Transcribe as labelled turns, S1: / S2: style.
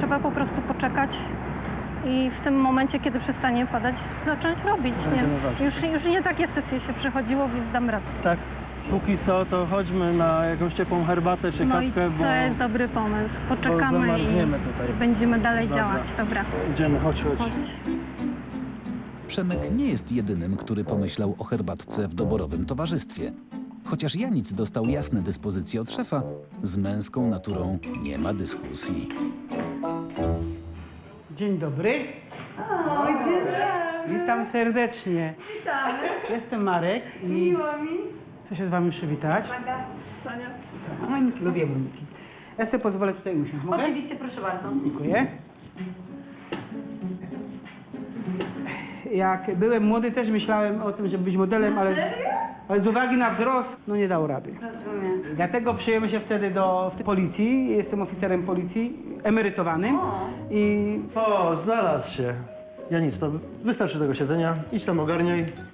S1: trzeba po prostu poczekać i w tym momencie, kiedy przestanie padać, zacząć robić.
S2: Będziemy walczyć.
S1: Już nie takie sesje się przechodziło, więc dam radę.
S2: Tak, póki co to chodźmy na jakąś ciepłą herbatę czy
S1: No i
S2: kawkę, bo
S1: to jest dobry pomysł.
S2: bo
S1: Poczekamy
S2: zamarzniemy tutaj.
S1: i będziemy dalej
S2: Dobra.
S1: działać. Dobra,
S2: Idziemy, chodź.
S1: chodź.
S3: Przemek nie jest jedynym, który pomyślał o herbatce w doborowym towarzystwie. Chociaż Janic dostał jasne dyspozycje od szefa, z męską naturą nie ma dyskusji.
S4: Dzień dobry. Witam serdecznie.
S5: Witamy.
S4: Jestem Marek i
S5: Miło mi.
S4: chcę się z wami przywitać.
S5: Maga, Sonia.
S4: Lubię Moniki. Ja sobie pozwolę tutaj usiąść. Mogę?
S5: Oczywiście, proszę bardzo.
S4: Dziękuję. Jak byłem młody, też myślałem o tym, żeby być modelem, ale z uwagi na wzrost, no nie dało rady.
S5: Rozumiem.
S4: I dlatego przyjąłem się wtedy do policji. Jestem oficerem policji, emerytowanym. I
S2: O, znalazł się. Ja nic, to wystarczy tego siedzenia. Idź tam ogarniaj.